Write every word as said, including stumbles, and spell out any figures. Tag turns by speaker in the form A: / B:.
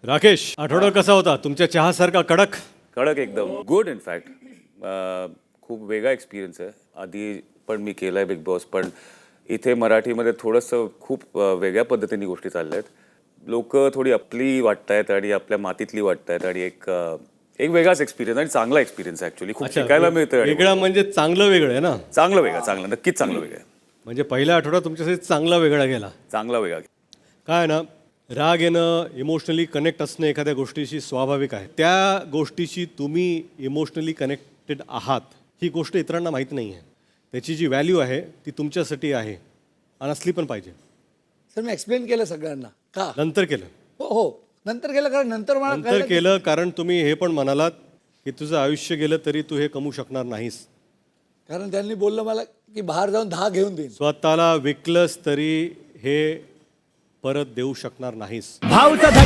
A: राकेश, आठवडा कसा होता तुमच्या चहासारखा कडक?
B: कडक एकदम गुड इनफॅक्ट खूप वेगळा एक्सपिरियन्स आहे. आधी पण मी केला आहे बिग बॉस, पण इथे मराठीमध्ये थोडंसं खूप अ, वेगळ्या पद्धतीने गोष्टी चालल्या आहेत. लोक थोडी आपली वाटत आहेत आणि आपल्या मातीतली वाटत आहेत आणि एक अ, एक वेगळाच एक्सपिरियन्स आणि चांगला एक्सपिरियन्स ॲक्च्युली खूप शिकायला मिळतं. आणि
A: वेगळा म्हणजे चांगलं वेगळं आहे ना?
B: चांगलं वेगळं चांगलं नक्कीच चांगलं वेगळं आहे.
A: म्हणजे पहिला आठवडा तुमच्यासाठी चांगला वेगळा गेला.
B: चांगला वेगळा.
A: काय आहे ना, राग येणं, इमोशनली कनेक्ट असणं एखाद्या गोष्टीशी स्वाभाविक आहे. त्या गोष्टीशी तुम्ही इमोशनली कनेक्टेड आहात ही गोष्ट इतरांना माहीत नाही आहे. त्याची जी व्हॅल्यू आहे ती तुमच्यासाठी आहे आणि असली पण पाहिजे.
C: सर मी एक्सप्लेन केलं सगळ्यांना का
A: नंतर केलं
C: हो हो नंतर केलं कारण नंतर मला
A: नंतर
C: कळलं की-
A: केलं कारण तुम्ही हे पण म्हणालात की तुझं आयुष्य गेलं तरी तू हे कमवू शकणार नाहीस.
C: कारण त्यांनी बोललं मला की बाहेर जाऊन दहा घेऊन देईन.
A: स्वतःला विकलंस तरी हे परत देऊ शकणार नाहीस.
D: भाऊचा